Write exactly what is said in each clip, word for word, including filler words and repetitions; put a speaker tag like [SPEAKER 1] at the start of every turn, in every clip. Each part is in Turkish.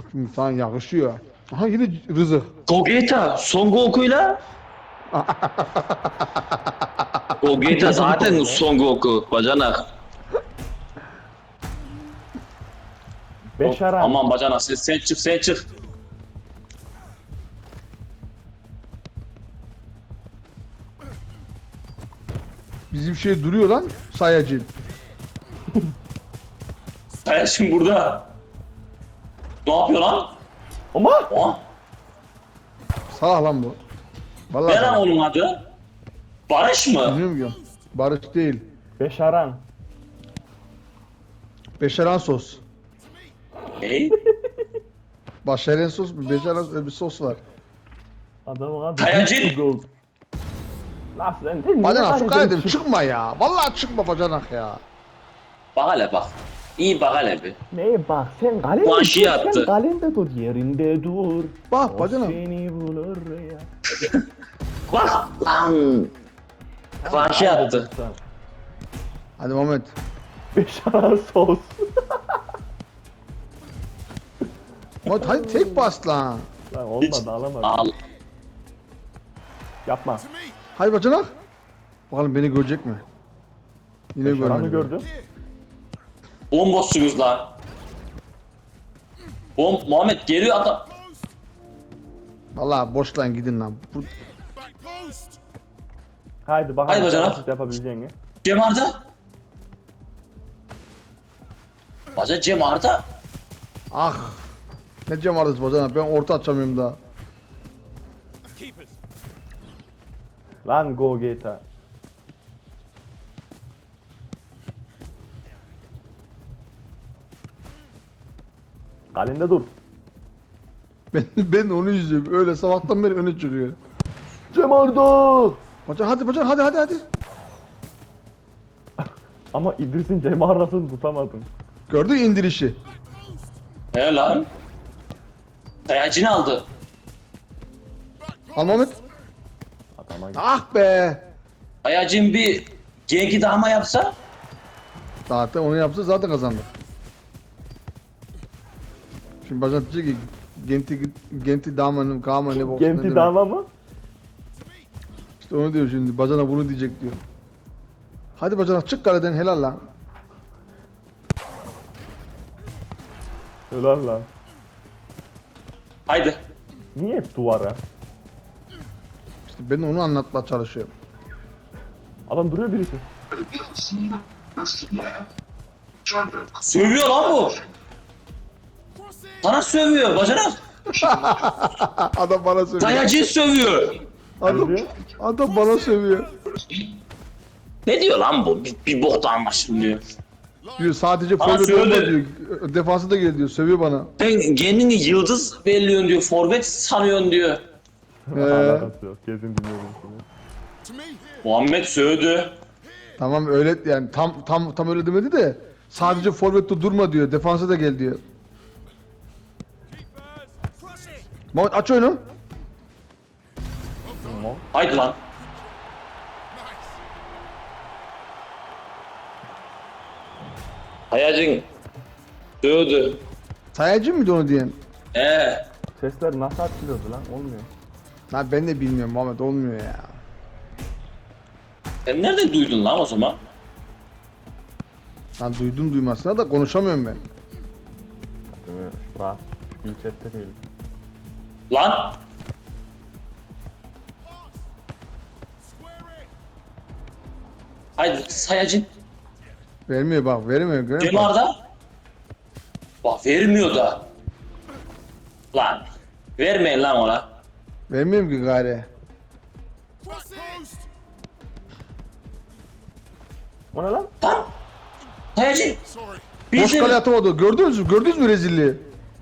[SPEAKER 1] İnsan yakışıyor. Aha yine Rızık.
[SPEAKER 2] Gogeta Son Goku'yla Gogeta zaten Son Goku bacanak.
[SPEAKER 3] Beşaran.
[SPEAKER 2] Aman bacanak sen, sen çık sen çık.
[SPEAKER 1] Bizim şey duruyor lan sayacı.
[SPEAKER 2] Sen şimdi burada. Ne yapıyor lan?
[SPEAKER 3] Ama
[SPEAKER 2] Aa,
[SPEAKER 1] Sağ lan bu. Vallahi
[SPEAKER 2] ne lan
[SPEAKER 1] sağ.
[SPEAKER 2] onun adı? Barış mı?
[SPEAKER 1] Bilmiyorum ki. Barış değil.
[SPEAKER 3] Beşaran.
[SPEAKER 1] Beşeren sos.
[SPEAKER 2] Hey?
[SPEAKER 1] Başaren sos mu? Beşeren bir sos var.
[SPEAKER 3] Adamın adı
[SPEAKER 2] Kayacı.
[SPEAKER 3] Gold. Lan sen sen
[SPEAKER 1] Bacanak şu
[SPEAKER 3] niye
[SPEAKER 1] kaleden
[SPEAKER 3] kaydın?
[SPEAKER 1] çıkma ya. Vallahi çıkma bacanak ya.
[SPEAKER 2] Bak hele bak. İyi bak hele bir.
[SPEAKER 3] Neye bak sen kalende
[SPEAKER 2] Bu
[SPEAKER 3] dur,
[SPEAKER 2] aşıyı
[SPEAKER 3] sen
[SPEAKER 2] attı.
[SPEAKER 3] kalende dur, yerinde dur.
[SPEAKER 1] Bak
[SPEAKER 3] O
[SPEAKER 1] bacanak.
[SPEAKER 3] seni bulur ya.
[SPEAKER 2] Bak lan. Kıvanç'ı attı.
[SPEAKER 3] Sen.
[SPEAKER 1] Hadi Mehmet.
[SPEAKER 3] Beşaran sos.
[SPEAKER 1] Mehmet hadi tek bas lan.
[SPEAKER 3] Lan olmadı alamadım.
[SPEAKER 2] Al.
[SPEAKER 3] Yapma.
[SPEAKER 1] Hadi bacanak. Bakalım beni görecek mi? Yine
[SPEAKER 3] Beşaran'ı
[SPEAKER 1] görmedi.
[SPEAKER 3] gördüm.
[SPEAKER 2] Bomboşsunuz lan. Bom Muhammed geliyor adam.
[SPEAKER 1] Vallahi boş lan gidin lan. Bu...
[SPEAKER 3] Haydi bakalım.
[SPEAKER 2] Haydi bacanak.
[SPEAKER 3] Nasıl yapabileceğini.
[SPEAKER 2] Cem Arda. Baca Cem Arda.
[SPEAKER 1] Ah. Ne cam vardı bacanak, ben orta açamıyorum daha.
[SPEAKER 3] Lan go Geta. Kalende dur.
[SPEAKER 1] Ben, ben onu izliyorum. Öyle sabahtan beri öne çıkıyor.
[SPEAKER 3] Cem Arda.
[SPEAKER 1] Bacanak hadi bacanak hadi hadi hadi.
[SPEAKER 3] Ama İdris'in Cem Arda'sını tutamadım.
[SPEAKER 1] Gördün mü indirişi?
[SPEAKER 2] He lan. Sayacını aldı.
[SPEAKER 1] Al Mehmet.
[SPEAKER 3] Adama
[SPEAKER 1] Ah be.
[SPEAKER 2] Sayacın bir genki daha mı yapsa?
[SPEAKER 1] Zaten onu yapsa zaten kazandı. Şimdi bacanak diyecek ki Genti Genti damanım kama ne bok. ne
[SPEAKER 3] Genti
[SPEAKER 1] demek.
[SPEAKER 3] dama mı?
[SPEAKER 1] İşte onu diyor şimdi. Bacanak bunu diyecek diyor. Hadi bacanak çık kaleden helal lan.
[SPEAKER 3] Helal lan.
[SPEAKER 2] Haydi.
[SPEAKER 3] Niye hep duvara?
[SPEAKER 1] İşte ben onu anlatmaya çalışıyorum.
[SPEAKER 3] Adam duruyor birisi.
[SPEAKER 2] Sövüyor lan bu. Sana sövüyor bacanak.
[SPEAKER 1] Adam bana sövüyor.
[SPEAKER 2] Sayacı sövüyor.
[SPEAKER 1] Adam,
[SPEAKER 3] diyor?
[SPEAKER 1] adam bana sövüyor.
[SPEAKER 2] Ne diyor lan bu? Bir, bir bokta anlaşılmıyor.
[SPEAKER 1] Diyor sadece
[SPEAKER 2] Bana
[SPEAKER 1] forvet olma
[SPEAKER 2] söyle.
[SPEAKER 1] diyor. Defansı da gel diyor. Sövüyor bana.
[SPEAKER 2] Sen kendini yıldız belliyorsun diyor. Forvet sanıyorsun diyor.
[SPEAKER 1] Ee,
[SPEAKER 3] Alakası yok. Kesin dinliyorum seni.
[SPEAKER 2] Muhammed sövdü.
[SPEAKER 1] tamam öyle yani tam tam tam öyle demedi de sadece forvette durma diyor. Defansa da gel diyor. Mehmet aç oyunu.
[SPEAKER 3] Tamam.
[SPEAKER 2] Haydi lan. Hayacın sövdü.
[SPEAKER 1] Sayacı mıydı onu diyen?
[SPEAKER 2] Ee,
[SPEAKER 3] Sesler nasıl açılıyordu lan? Olmuyor.
[SPEAKER 1] Lan ben de bilmiyorum Muhammed, olmuyor ya.
[SPEAKER 2] sen nereden duydun lan o zaman?
[SPEAKER 1] Lan duydum duymasına da konuşamıyorum ben.
[SPEAKER 3] Değil mi? Rahat. Bir chatte değil.
[SPEAKER 2] Lan. Haydi sayacın.
[SPEAKER 1] Vermiyor bak, vermiyor. Görüyor
[SPEAKER 2] Cem
[SPEAKER 1] musun?
[SPEAKER 2] Arda. Bak vermiyor da. Lan. Vermeyin lan ona.
[SPEAKER 1] Vermiyorum ki gari.
[SPEAKER 3] O ne lan?
[SPEAKER 2] Lan. Sayacın.
[SPEAKER 1] Boş
[SPEAKER 2] Bildim.
[SPEAKER 1] kale atamadı. Gördünüz mü? Gördünüz mü rezilliği?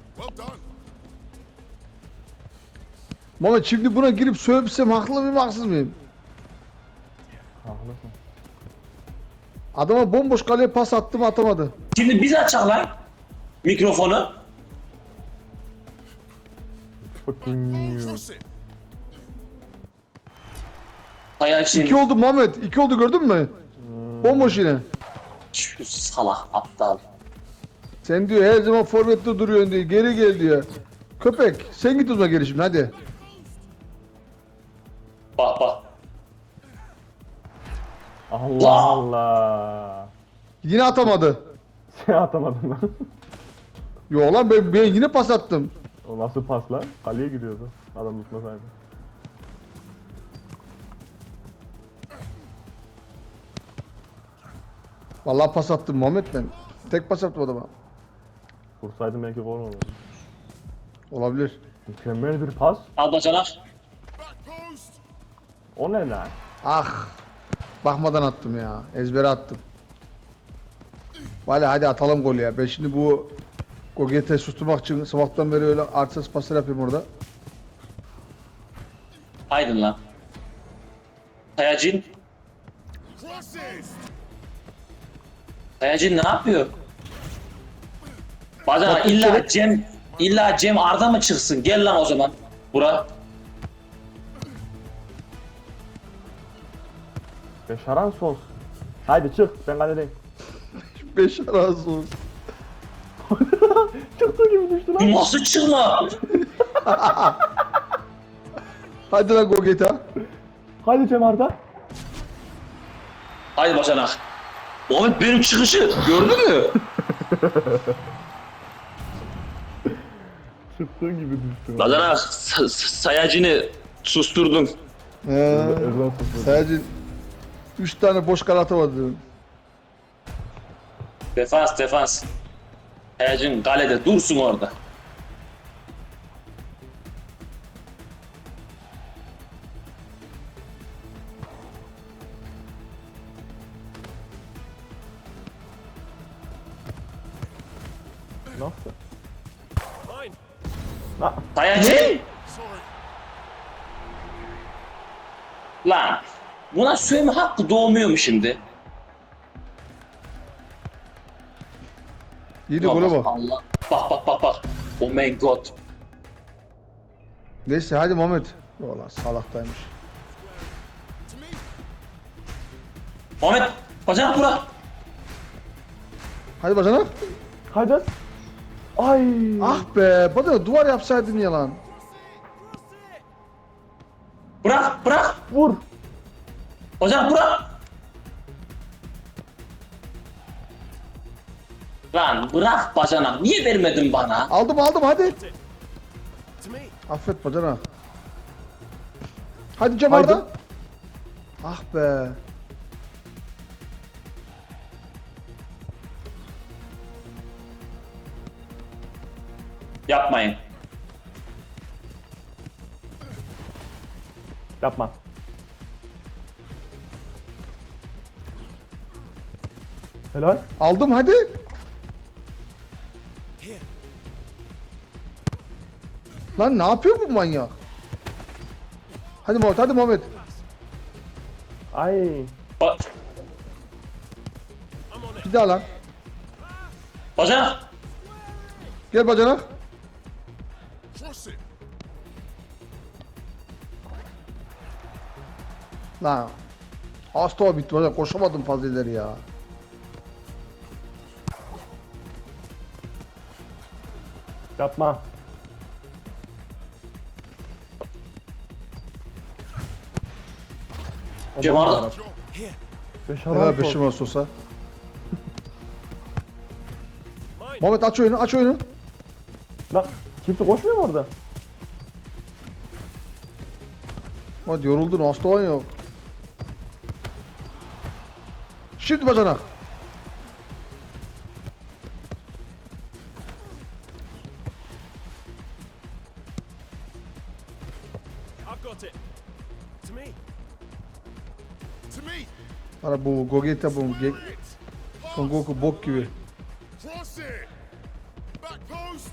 [SPEAKER 1] Muhammed şimdi buna girip sövsem haklı mıyım, haksız mıyım?
[SPEAKER 3] Haklısın.
[SPEAKER 1] Adama bomboş kaleye pas attım, atamadı.
[SPEAKER 2] Şimdi biz açalım lan. Mikrofonu.
[SPEAKER 3] Fucking you.
[SPEAKER 2] Sayacın.
[SPEAKER 1] İki oldu Muhammed. İki oldu, gördün mü? Bomboş yine.
[SPEAKER 2] Şu salak aptal.
[SPEAKER 1] Sen diyor her zaman forvette duruyorsun diyor. Geri gel diyor. Köpek sen git uzma geri şimdi hadi.
[SPEAKER 2] Bak bak.
[SPEAKER 3] Allah Allah.
[SPEAKER 1] Yine atamadı.
[SPEAKER 3] Sen atamadın lan.
[SPEAKER 1] Yo lan ben, ben yine pas attım.
[SPEAKER 3] O nasıl pas lan? Kaleye gidiyordu. Adam tutmasaydı.
[SPEAKER 1] Vallahi pas attım Muhammed ben. Tek pas attım adama.
[SPEAKER 3] Vursaydım belki gol olurdu.
[SPEAKER 1] Olabilir.
[SPEAKER 3] Mükemmel bir pas.
[SPEAKER 2] Al bacanak.
[SPEAKER 3] O ne lan?
[SPEAKER 1] Ah. Bakmadan attım ya. Ezbere attım. Valla hadi atalım gol ya. Ben şimdi bu Goget'i susturmak için sabahtan beri öyle artsız paslar yapıyorum orada.
[SPEAKER 2] Haydın lan. Kayacın. Kayacın ne yapıyor? Bacanak
[SPEAKER 1] Bakın
[SPEAKER 2] illa
[SPEAKER 1] şöyle-
[SPEAKER 2] Cem illa Cem Arda mı çıksın? Gel lan o zaman. Bura.
[SPEAKER 3] Beşaran sos. Haydi çık ben kaledeyim.
[SPEAKER 1] Beş razı olsun.
[SPEAKER 3] Çıktı gibi düştü lan.
[SPEAKER 2] Nasıl çıkma?
[SPEAKER 1] Hadi lan Goget'a.
[SPEAKER 3] Haydi Cem Arda.
[SPEAKER 2] Haydi bacanak. Muhammed benim çıkışı gördün mü?
[SPEAKER 3] Çıktığı gibi düştü.
[SPEAKER 2] Bacanak sa- sa- sayacını susturdun.
[SPEAKER 1] He.
[SPEAKER 3] Ezan sos.
[SPEAKER 1] Sadece üç tane boş kale atamadım.
[SPEAKER 2] Defans defans. Sayacın kalede dursun orada.
[SPEAKER 3] Nasıl?
[SPEAKER 2] Sayacı. Lan buna söyleme hakkı doğmuyor mu şimdi?
[SPEAKER 1] Yedi gole bak.
[SPEAKER 2] Allah. Bak bak bak bak. Oh my god.
[SPEAKER 1] Neyse hadi Muhammed. Valla salaktaymış.
[SPEAKER 2] Muhammed bacanak bırak.
[SPEAKER 1] Hadi bacanak.
[SPEAKER 3] Haydi. Ay.
[SPEAKER 1] Ah be. Bana duvar yapsaydın ya lan.
[SPEAKER 2] Bırak bırak.
[SPEAKER 3] Vur.
[SPEAKER 2] Bacanak bırak. Lan bırak bacanak. Niye vermedin bana?
[SPEAKER 1] Aldım aldım hadi. Affet bacanak. Hadi Cem
[SPEAKER 3] Haydi.
[SPEAKER 1] Arda. Ah be.
[SPEAKER 2] Yapmayın.
[SPEAKER 3] Yapma. Helal.
[SPEAKER 1] Aldım hadi. Lan ne yapıyor bu manyak? Hadi Muhammed hadi Muhammed.
[SPEAKER 3] Ay.
[SPEAKER 2] Ba
[SPEAKER 1] Bir daha lan.
[SPEAKER 2] bacanak.
[SPEAKER 1] Gel bacanak. Lan. Hasta o bitti bacanak. Koşamadım fazla ileri ya.
[SPEAKER 3] Yapma.
[SPEAKER 2] Cem Arda.
[SPEAKER 3] Beşaran
[SPEAKER 1] Ha
[SPEAKER 3] sos.
[SPEAKER 1] beşim olsa. Muhammed aç oyunu aç oyunu.
[SPEAKER 3] Lan kimse koşmuyor mu orada?
[SPEAKER 1] Hadi yoruldun hasta olan yok. Şimdi bacanak.
[SPEAKER 4] I've got it. To me. To me.
[SPEAKER 1] Ara bu Gogeta bu Ge Son Goku bok gibi.
[SPEAKER 4] Cross it. Back post.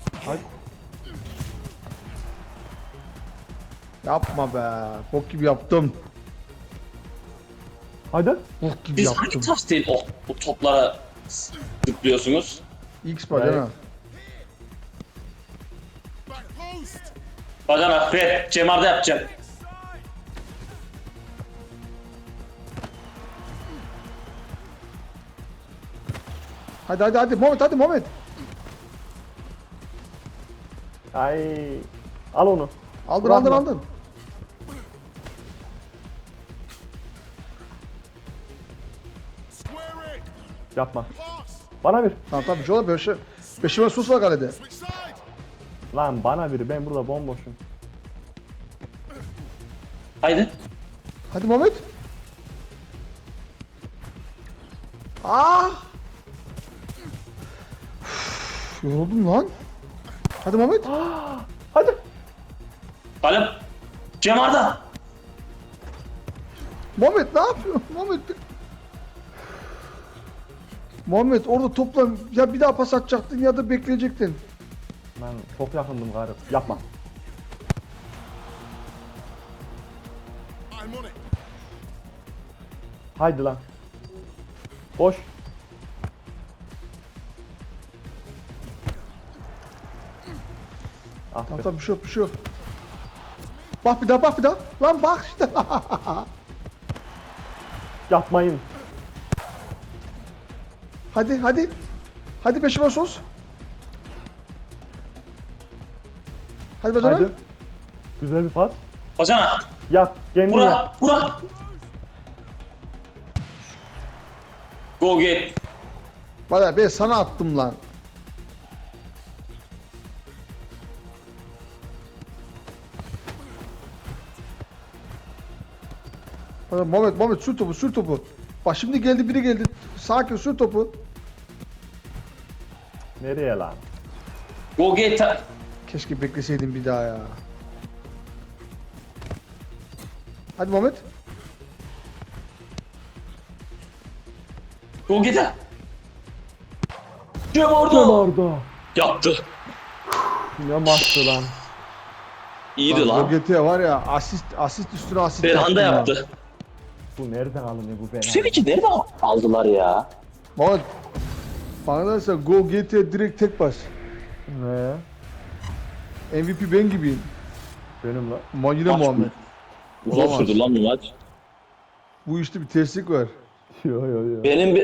[SPEAKER 1] Yapma be. Bok gibi yaptım.
[SPEAKER 3] Haydi.
[SPEAKER 1] Bok gibi
[SPEAKER 2] Siz
[SPEAKER 1] yaptım.
[SPEAKER 2] hangi tastil o bu toplara tıklıyorsunuz?
[SPEAKER 1] X bacanak.
[SPEAKER 4] Back post.
[SPEAKER 2] Bacanak Fred, Cem Arda yapacağım.
[SPEAKER 1] Hadi hadi hadi Muhammed hadi Muhammed.
[SPEAKER 3] Ay. Al onu.
[SPEAKER 1] Aldın
[SPEAKER 3] Bırakma.
[SPEAKER 1] aldın aldın.
[SPEAKER 4] Square it.
[SPEAKER 3] Yapma.
[SPEAKER 4] Pass.
[SPEAKER 3] Bana bir.
[SPEAKER 1] Tamam tamam bir şey olur. Beşe, beşime sus var kalede.
[SPEAKER 4] Switch side.
[SPEAKER 3] Lan bana bir. Ben burada bomboşum.
[SPEAKER 2] Haydi.
[SPEAKER 1] Hadi Mehmet. Ah! Üf, yoruldum lan. Hadi Mehmet.
[SPEAKER 3] Hadi.
[SPEAKER 2] Kalem. Cem Arda.
[SPEAKER 1] Muhammed ne yapıyorsun? Muhammed. Muhammed orada topla ya bir daha pas atacaktın ya da bekleyecektin.
[SPEAKER 3] Ben çok yakındım gari. Yapma.
[SPEAKER 4] I'm on it.
[SPEAKER 3] Haydi lan. Boş. Ah
[SPEAKER 1] Tamam
[SPEAKER 3] be.
[SPEAKER 1] tamam bir şey yok bir şey yok. Bak bir daha bak bir daha. Lan bak işte.
[SPEAKER 3] Yapmayın.
[SPEAKER 1] Hadi hadi. Hadi peşime sos. Hadi bacana.
[SPEAKER 3] Haydi. Güzel bir pas.
[SPEAKER 2] Bacana.
[SPEAKER 3] Yap. Kendin yap.
[SPEAKER 2] Bura. Bura. Go get.
[SPEAKER 1] Bana ben sana attım lan. Bana Muhammed Muhammed sür topu sür topu. Bak şimdi geldi biri geldi. Sakin sür topu.
[SPEAKER 3] Nereye lan?
[SPEAKER 2] Go get.
[SPEAKER 1] Keşke bekleseydim bir daha ya. Hadi Muhammed.
[SPEAKER 2] Go get. Cem Arda.
[SPEAKER 3] Orada.
[SPEAKER 2] Yaptı.
[SPEAKER 3] Ne maçtı lan.
[SPEAKER 2] İyiydi lan.
[SPEAKER 1] G T var ya asist asist üstüne asist
[SPEAKER 2] Belhanda
[SPEAKER 1] ya.
[SPEAKER 2] yaptı.
[SPEAKER 3] Bu nereden alınıyor bu Belhanda?
[SPEAKER 2] Sevinci nerede aldılar ya?
[SPEAKER 1] Muhammed. Bana derse Go G T direkt tek bas.
[SPEAKER 3] Ne?
[SPEAKER 1] M V P ben gibiyim.
[SPEAKER 3] Benim lan.
[SPEAKER 1] Ma yine
[SPEAKER 2] Maç
[SPEAKER 1] Muhammed.
[SPEAKER 2] mı? Uzun
[SPEAKER 1] Olamaz.
[SPEAKER 2] sürdü lan bu maç.
[SPEAKER 1] Bu işte bir terslik var.
[SPEAKER 3] Yo yo yo.
[SPEAKER 2] Benim